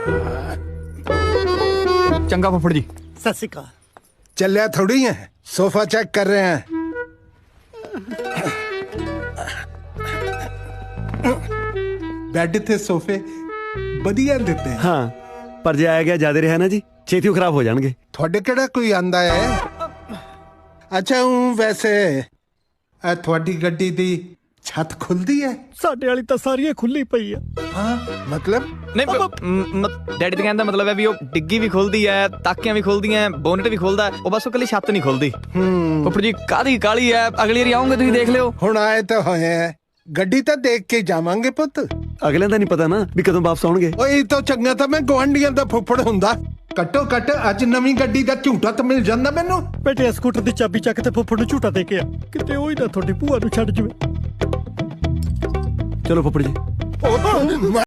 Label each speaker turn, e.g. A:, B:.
A: ਚੰਗਾ ਫੁੱਫੜ ਜੀ।
B: ਸਤਿ ਸ਼੍ਰੀ ਅਕਾਲ।
C: ਚੱਲਿਆ ਥੋੜੀ ਹੈ, ਸੋਫਾ ਚੈੱਕ ਕਰ ਰਹੇ ਹਾਂ।
D: ਬੈੱਡ ਤੇ ਸੋਫੇ ਵਧੀਆ ਦਿੱਤੇ।
E: ਹਾਂ, ਪਰ ਜੇ ਆਇਆ ਗਿਆ ਜ਼ਿਆਦਾ ਰਿਹਾ ਨਾ ਜੀ, ਛੇਤੀ ਉਹ ਖਰਾਬ ਹੋ ਜਾਣਗੇ।
C: ਤੁਹਾਡੇ ਕਿਹੜਾ ਕੋਈ ਆਂਦਾ ਹੈ? ਅੱਛਾ ਵੈਸੇ
D: ਇਹ ਤੁਹਾਡੀ ਗੱਡੀ ਦੀ ਛੱਤ ਖੁੱਲਦੀ ਹੈ?
B: ਸਾਡੇ ਵਾਲੀ ਤਾਂ ਸਾਰੀ ਖੁੱਲੀ ਪਈ ਆ।
C: ਹਾਂ ਮਤਲਬ
A: ਨਹੀਂ ਡੈਡੀ ਤੇ ਕਹਿਣ ਦਾ ਮਤਲਬ ਹੈ ਵੀ ਉਹ ਡਿੱਗੀ ਵੀ ਖੁੱਲਦੀ ਹੈ, ਤਾਕੀਆਂ ਵੀ ਖੁੱਲਦੀਆਂ, ਬੋਨਟ ਵੀ ਖੁੱਲਦਾ, ਉਹ ਬਸ ਉਹ ਕੱਲੀ ਛੱਤ ਨਹੀਂ ਖੁੱਲਦੀ। ਫੁੱਫੜ ਜੀ ਕਾਹਦੀ ਕਾਲੀ ਹੈ, ਅਗਲੀ ਵਾਰੀ ਆਉਂਗੇ ਤੁਸੀਂ ਦੇਖ ਲਿਓ।
C: ਹੁਣ ਆਏ ਤਾਂ ਹੋਏ ਹੈ, ਗੱਡੀ ਤਾਂ ਦੇਖ ਕੇ ਜਾਵਾਂਗੇ ਪੁੱਤ।
E: ਅਗਲਿਆਂ ਦਾ ਨਹੀਂ ਪਤਾ ਨਾ ਵੀ ਕਦੋਂ ਵਾਪਸ ਆਉਣਗੇ।
C: ਓਏ ਇਹ ਤਾਂ ਚੰਗਾ ਤਾਂ ਮੈਂ ਗੁਆਂਢੀਆਂ ਦਾ ਫੁੱਫੜ ਹੁੰਦਾ। ਘੱਟੋ ਘੱਟ ਅੱਜ ਨਵੀਂ ਗੱਡੀ ਦਾ ਝੂਟਾ ਤਾਂ ਮਿਲ ਜਾਂਦਾ ਮੈਨੂੰ।
B: ਬੇਟੇ ਸਕੂਟਰ ਦੀ ਚਾਬੀ ਚੱਕ ਤੇ ਫੁੱਫੜ ਨੂੰ ਝੂਟਾ ਦੇ ਕੇ ਆ, ਕਿਤੇ ਉਹ ਹੀ ਨਾ ਤੁਹਾਡੀ ਭੂਆ ਨੂੰ ਛੱਡ ਜਵੇ।
E: ਚਲੋ ਫੁੱਫੜ ਜੀ।
C: ਉਹ